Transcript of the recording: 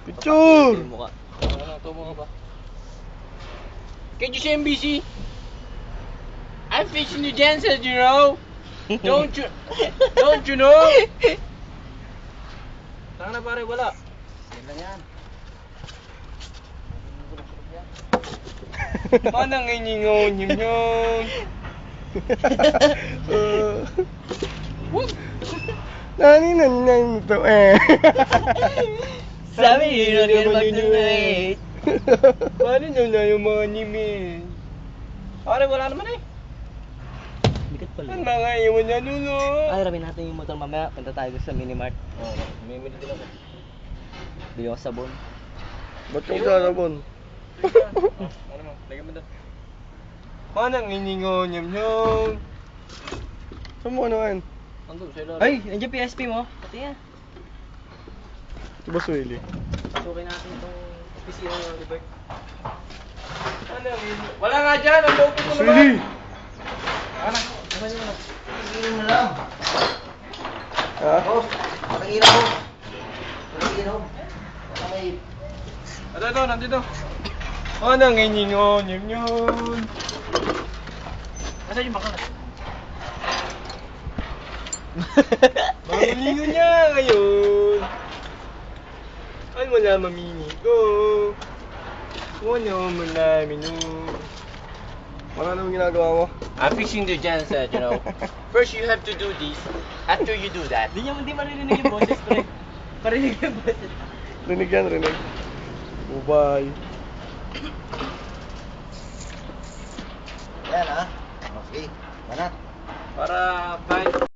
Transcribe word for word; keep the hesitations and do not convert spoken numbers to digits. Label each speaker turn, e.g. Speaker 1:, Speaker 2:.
Speaker 1: Picture!
Speaker 2: Mukha. Ano, tumo ka ba? Can you say M B C? I'm fixing the dancers, you know? Don't you... Don't you know? Tanga na pare, wala.
Speaker 3: Yan lang yan.
Speaker 2: Manang iningon yun yun.
Speaker 1: Nani na nang to eh.
Speaker 2: Sabi yun yun mag-donate. Paano nyo na yung mga anime? Pare, wala naman eh.
Speaker 3: Bigat pala.
Speaker 2: Ang mga iwan niya nulo.
Speaker 3: Ay, ramin natin yung motor mamaya. Punta tayo sa minimart.
Speaker 2: Oo, may mili din ako.
Speaker 3: Bili ako sabon.
Speaker 1: Ba't kang karabon?
Speaker 2: Ano mo, lagyan mo doon. Manang iningon yun yun.
Speaker 1: Saan mo ano yan?
Speaker 2: Andun, sa ilalim.
Speaker 3: Ay, nandiyan P S P mo. Pati yan.
Speaker 1: Ito ba Swilly?
Speaker 3: Pasukin natin itong opisina ng Libert.
Speaker 2: Manang iningon. Wala nga dyan, ang loob ko naman.
Speaker 1: Swilly!
Speaker 2: Ano?
Speaker 3: Naman yun.
Speaker 4: Tingin mo lang.
Speaker 1: Ha?
Speaker 4: Boss, pakiinom mo. Pakiinom. Baka may...
Speaker 2: Ito, ito, nandito. Manang iningon yun yun. Nasaan yung bakal? Mamulingon niya ngayon. Ano mo na mamini ko? Ano mo na minu?
Speaker 1: Wala naman ginagawa mo?
Speaker 2: I'm fixing the genset, you know. First you have to do this. After you do that,
Speaker 3: Hindi niya hindi maririnig yung boses, pre. Parinig yung boses.
Speaker 1: Rinig yan, rinig. Bye-bye.
Speaker 4: Yan ha. Okay. Banat.
Speaker 2: para kahit